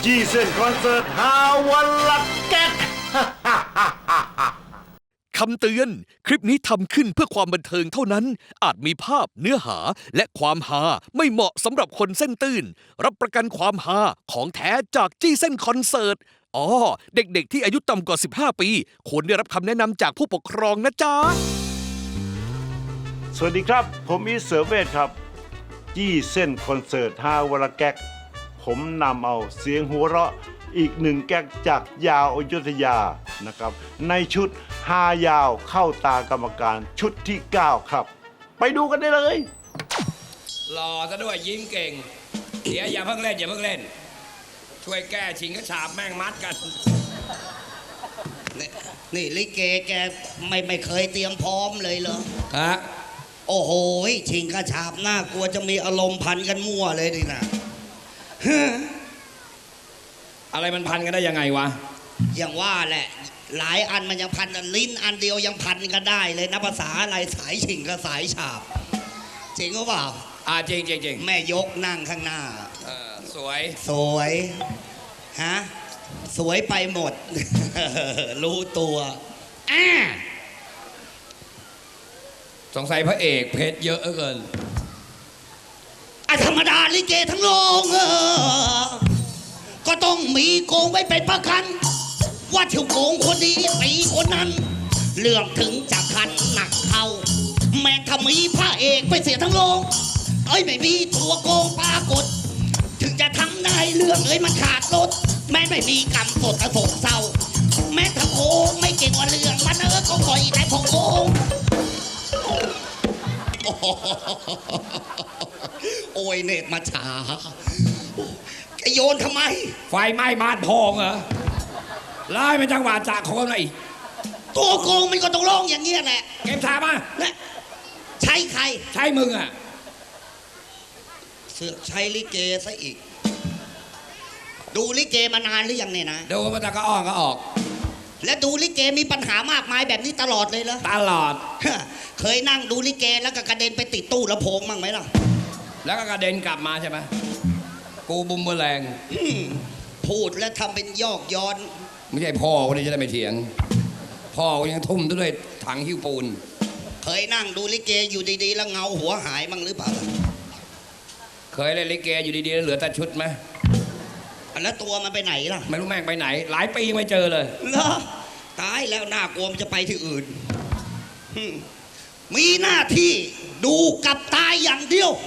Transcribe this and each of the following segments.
จีเส้นคอนเสิร์ตหาวันละแก๊กคำเตือน คลิปนี้ทำขึ้นเพื่อความบันเทิงเท่านั้น อาจมีภาพเนื้อหาและความฮาไม่เหมาะสำหรับคนเส้นตื่น รับประกันความฮาของแท้จากจี้เส้นคอนเสิร์ต เด็กๆที่อายุต่ำกว่า 15 ปี ควรได้รับคำแนะนำจากผู้ปกครองนะจ๊ะสวัสดีครับ ผมอีทเสือเวทครับ จี้เส้นคอนเสิร์ตหาวันละแก๊กผมนำเอาเสียงหัวเราะอีกหนึ่งแก๊กจากยาวอยุธยานะครับ ในชุดฮายาวเข้าตากรรมการชุดที่ 9 ครับ ไปดูกันได้เลยหล่อซะด้วยยิ้มเก่งเดี๋ยวอย่าเพิ่งเล่นอย่าเพิ่งเล่น ช่วยแก้ชิงกระฉาบแม่งมัดกันนี่ลิเกแกไม่เคยเตรียมพร้อมเลยเหรอฮะโอ้โหชิงกระฉาบน่ากลัวจะมีอารมณ์พันกันมั่วเลยดินะอะไรมันพันกันได้ยังไงวะอย่างว่าแหละหลายอันมันยังพันกันลิ้นอันเดียวยังพันกันได้เลยนะภาษาอะไรสายชิงกับสายฉาบจริงหรือเปล่าจริงจริงจริงแม่ยกนั่งข้างหน้าสวยสวยฮะสวยไปหมด รู้ตัวอ่าสงสัยพระเอกเพชรเยอะเกินธรรมดาลิเกทั้งโรงก็ต้องมีโกงไว้เป็นประกัน ว่าเที่ยวโกงคนนี้ตีคนนั้น เรื่องถึงจะคันหนักเข้า แม้ถ้ามีพระเอกไปเสียทั้งโรงไม่มีตัวโกงปรากฏ ถึงจะทำได้เรื่องมันขาดรถแม้ไม่มีกรรมสดกระโศกเศร้า แม้ถ้าโกงไม่เก่งกว่าเรื่องมันก็คอยแต่พอโกงโอ้ยเนตรมาช้าแกโยนทำไมไฟไหม้บ้านพองเหรอไล่เป็นจังหวะจากโคนอะไรอีกตัวโกงมันก็ต้องร้องอย่างเงี้ยแหละเกมถามมาและใช้ใครใช่มึงอ่ะเสือกใช้ลิเกซะอีก ดูลิเกมานานหรือยังเนี่ยนะดูมันจะก็อ้อนก็ออกและดูลิเกมีปัญหามากมายแบบนี้ตลอดเลยเหรอตลอดเคยนั่งดูลิเกแล้วก็กระเด็นไปติดตู้ลำโพงมั่งไหมล่ะแล้วก็กระเด็นกลับมาใช่ไหมกูบุมเบอร์แรงพูดแล้วทำเป็นยอกย้อนไม่ใช่พ่อคนนี้จะได้ไม่เถียง พ่อก็ยังทุ่มด้วยถังหิ้วปูนเคยนั่งดูลิเกอยู่ดีๆแล้วเงาหัวหายมั่งหรือเปล่าล่ะเคยเล่นลิเกอยู่ดีๆแล้วเหลือแต่ชุดไหมแล้วตัวมันไปไหนล่ะไม่รู้แม่งไปไหน หลายปียังไม่เจอเลยเหรอตายแล้วน่ากลัวมันจะไปที่อื่น มีหน้าที่ดูกับตายอย่างเดียว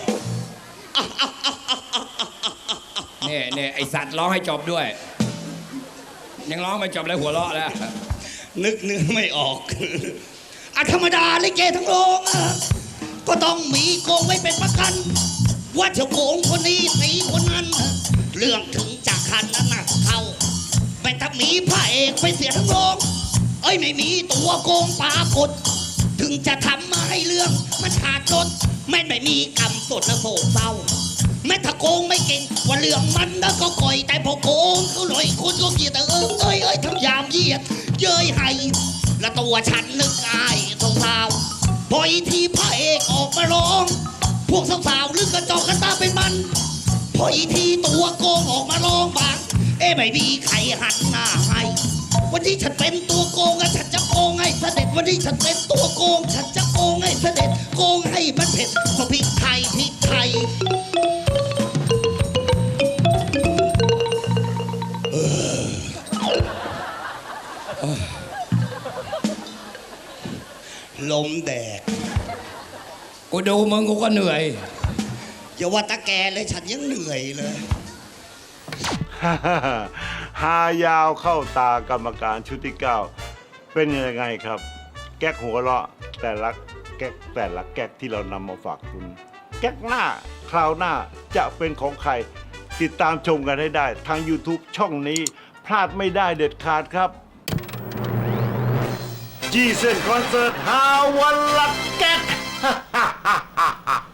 เนี่ยไอสัตว์ร้องให้จบด้วย ยังร้องไม่จบเลยหัวเราะแล้วนึกเนื้อไม่ออก ธรรมดาลิเกทั้งโรงก็ต้องมีโกงไว้เป็นประกัน ว่าจะโกงคนนี้ตีคนนั้น เรื่องถึงจากคันนั้นหนักเข้าแต่ถ้ามีพระเอกไปเสียทั้งโรงไม่มีตัวโกงปรากฏ ถึงจะทำมาให้เรื่องมันขาดรถไม่มีกรรมสดและโศกเศร้า แม้ถ้าโกงไม่เก่งว่าเรื่องมันก็ก่อยแต่พอโกงเขาหน่อยคนก็เกลียดแต่ทำยามเยียดเย้ยให้และตัวฉันนึกอายสาวๆพออีทีพระเอกออกมาร้อง พวกสาวๆลึกกระจอกกันตาเป็นมันพออีทีตัวโกงออกมาร้องบางไม่มีใครหันหน้าให้วันนี้ฉันเป็นตัวโกงฉันจะโกงให้เสด็จวันนี้ฉันเป็นตัวโกงฉันจะโกงให้เสด็จโกงให้มันเผ็ดเพราะพริกไทยพริกไทยลมแดดกูดูมึงกูก็เหนื่อยอย่าว่าตาแกเลยฉันยังเหนื่อยเลยหายาวเข้าตากรรมการชุดที่ 9 เป็นยังไงครับ แก๊กหัวเราะแต่ละแก๊กที่เรานำมาฝากคุณ แก๊กหน้าคราวหน้าจะเป็นของใคร ติดตามชมกันให้ได้ทาง YouTube ช่องนี้พลาดไม่ได้เด็ดขาดครับจีเส้นคอนเสิร์ตหาวันละแก๊ก